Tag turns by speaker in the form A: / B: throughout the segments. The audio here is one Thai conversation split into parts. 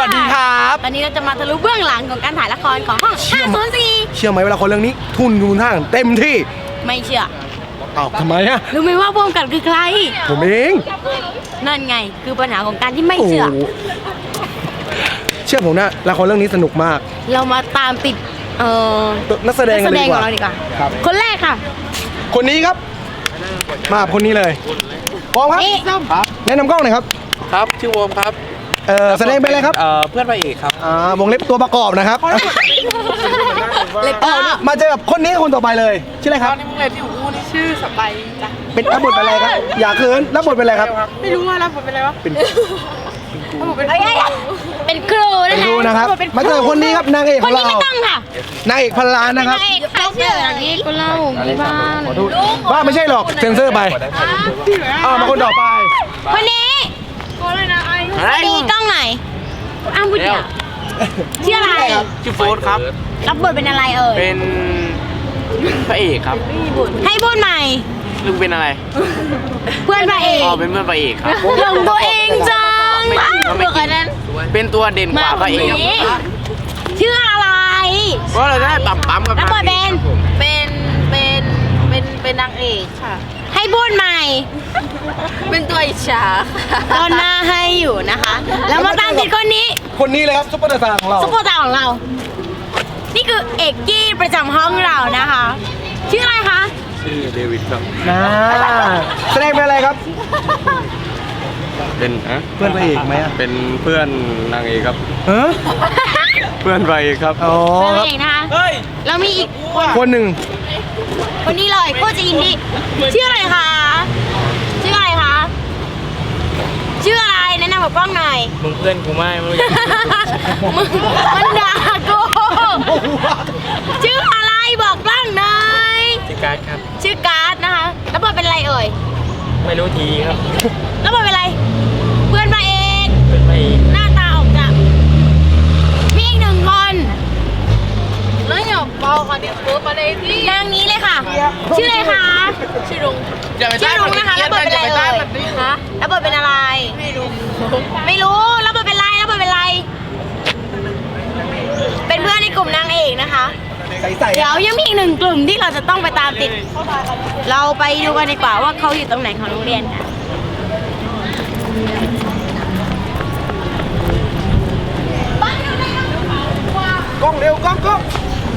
A: วัสดีครับ
B: ตอนนี้เราจะมาทะลุเบื้องหลังของการถ่ายละครของห้อง504
A: เชื่อไหมเวลาคนเรื่องนี้ทุนดูท่างเต็มที่
B: ไม่เชื่อ
A: อ้าวทำไมอะ
B: รู้ไหมว่าพวกกันคือใคร
A: ผมเอง
B: นั่นไงคือปัญหาของการที่ไม่เชื่อ
A: โโหเชื่อผมนะละครเรื่องนี้สนุกมาก
B: เรามาตามติด
A: นักแสดง
B: นัก
A: กั
B: แส
A: น
B: ด
A: ดี
B: ง
A: ก
B: ของ
A: ว่า
B: เราดีกว่า
A: ครับ
B: คนแรกค่ะ
A: คนนี้ครับ มาคนนี้เลยพร้อมครับ
B: นี่
A: แนะนำกล้องหน่อยครับ
C: ครับชื่อโวมครับ
A: แสดงเป็นอะไรครับ
C: เพื่อนพระเอกครับ
A: วงเล็บตัวประกอบนะครับ
B: เล็บ
A: มาเจอกับคนนี้คนต่อไปเลยชื่ออะไรครับ
C: นี่มึงเล่นที่หูนี่ชื่อสไปจ้ะ
A: เป็นรับบทเป็นอะไรครับ อย่าเขินรับบทเป็นอะไรครับ
C: ไม่รู้ว่ารับบทเป็นอะไรวะ
A: เป็น
B: เป็นครูนะ
A: เป็น
B: คะ
A: ครูนะครับ มาเจอคนนี้ครับนางเอก
B: ค
A: ขอน ง
B: นี้
A: เรา
B: ไม่ต้องค่ะ
A: นางเอกพันล้านนะครับ
B: นางเอกใครเชื่ออย่างนี้ก็เล่ามีบ้าง
A: ว่าไม่ใช่หรอกเซ็นเซอร์ไปมาคนต่อไป
B: คนนี้ดีกล้องไหนอ้าวพูดเดียวชื่ออะไร
C: ชื่อโฟร์ครับ
B: รับบทเป็นอะไรเอ่ย
C: เป็นพระเอกครับ
B: ให้พูดใหม่
C: ลุงเป็นอะไร
B: เพื่อนพระเอก
C: อ๋อเป็นเพื่อนพระเอกครับ
B: หลงตัวเองจัง
C: ไม่จริงครับไม่จริง
B: นั้น
C: เป็นตัวเด่นกว่าพระเอก
B: ชื่ออะไร
C: เพราะเราจะได้ปั๊มกับ
B: รับบทเป็น
D: เป็นนางเอกค่ะ
B: ให้พูดใหม่
D: เป็นตัวอิจฉาค่ะ
B: ตอนหน้าให้อยู่นะคะ แล้วมาตามติดคนนี้
A: คนนี้เลยครับซุปเปอร์สตาร์ของเรา
B: ซุปเปอร์สตาร์ของเรา นี่คือเอกกี้ประจำห้องเรานะคะ ชื่ออะไรคะ
C: ชื่อเดวิดครับ
A: นะแสดงเป็นอะไรครับ
C: เป็น
A: เพื่อนพระเอกไหมอะ
C: เป็นเพื่อนนางเอกครับ
A: เออ
C: เพื่อนพระเอกครับ
A: อ๋อ
B: เพื่อน
A: ครับ
B: เอกนะคะแล้วมีอีก
A: คนหนึ่ง
B: คนนี้เลยโคตรจะอินดี้ชื่ออะไรคะ ชื่ออะไรคะ ชื่ออะไรแนะนำกับกล้องหน่อย
C: มึงเพื่อนกูไม่มึง
B: มึงมันด่ากูชื่ออะไรบอกกล้องหน่อย
C: ชื่อการ์ดครับ
B: ชื่อการ์ดนะคะ แล้วบทเป็นอะไรเอ่ย
C: ไม่รู้ทีครับ
B: แล้วบทเป็นอะไร เพื่อนพระเอก
C: เป็นพระเอก
B: หน้าตาออกจะมีอีกหนึ่งคน
D: แล้วอย่าเบาค่ะเดี๋ยวเพิ่มมาเลยที่
B: นางนี้เลยค่ะ ชื่ออะไรคะ
D: ชื่อลุง
B: ชื่อลุงนะคะแล้วบทเป็นอะไรเอ่ยฮะแล้วบทเป็นอะไร
D: ไม่รู้
B: ไม่รู้แล้วบทเป็นอะไรแล้วบทเป็นอะไร เป็นเพื่อนในกลุ่มนางเอกนะคะ
A: ใส่
B: เดี๋ยวยังมีอีกหนึ่งกลุ่มที่เราจะต้องไปตามติด เราไปดูกันดีกว่าว่าเขาอยู่ตรงไหนของโรงเรียนค่ะ
A: กล้องเร็วกล้องกล้อง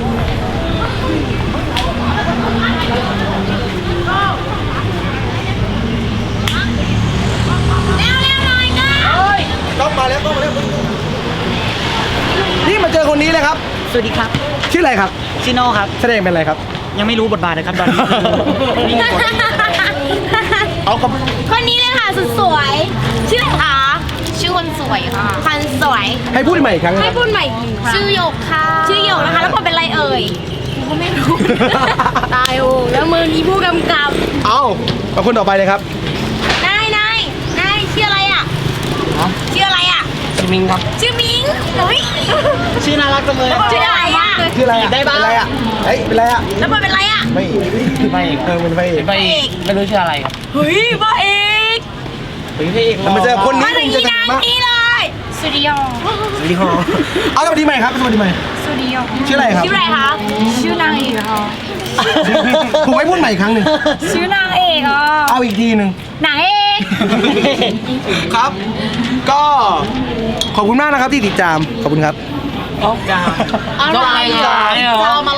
B: เร็วหน่อยก็
A: กล้องมาแล้วกล้องมาแล้วนี่มาเจอคนนี้เลยครับ
E: สวัสดีครับ
A: ชื่ออะไรครับ
E: ชิโน่ครับ
A: แสดงเป็นอะไรครับ
E: ยังไม่รู้บทบาทนะครับตอนนี้นี่บท
A: เอากับ
B: คนนี้เลยค่ะสุดสวย ชื่ออะไรคะ
D: ชื่อคนสวยค่ะ
B: คันสวย
A: ให้พูดใหม่อีกครั้งนะ
B: ให้
A: ครับ
B: พูดใหม่อีกหนึ่งครั้ง
D: ชื่อหยกค่ะ
B: ชื่อหยกนะคะ แล้วบทเป็นอะไรเอ่ยกูก็ไม่รู้ ตายโอ้แล้วมึงอีผู้กำกับ
A: เอาเอาคนต่อไปเลยครับ
B: นายชื่ออะไรอ่ะชื่ออะไรอ่ะ
E: ชิมิงครับ
B: ชื่อมิงเฮ้ย
E: ชื่อน่ารักจังเลย
B: ชื่ออะไรอ่ะ
A: ชื่ออะไรอะ
E: ได้บ้าง
A: เป็นอะไรอะเฮ้ยเป็นอะไรอะ
B: แล้วบทเป็นอะไรอ่ะ
A: ไม่
E: คือพระเอก
A: เป็นพระเอก
E: พระเอกไม่รู้ชื่ออะไรครับ
B: เฮ้ยพ่อเอก
E: เป็นพระเอก
A: เรามาเจอคนนี้
B: มาถึง
A: จะ
B: ที่
A: ดั
B: นาง ง
A: มาก
B: นี้เลย
D: สตูดิโอ
A: สวัสดีครับเอาสวัสดีใหม่ครับสวัสดีใหม่
D: สตูดิโอ
A: ชื่ออะไรครับ
B: ชื่ออะไรคะ
D: ชื่อนางเอกค่ะ
A: ผมให้พูดใหม่อีกครั้งหนึ่ง
D: ชื่อนางเอกอ่ะ
A: เอาอีกทีหนึ่ง
B: หนังเอก
A: ครับ ก็ขอบคุณมากนะครับที่ติดตามขอบคุณครับ
E: อะไรอ่ะ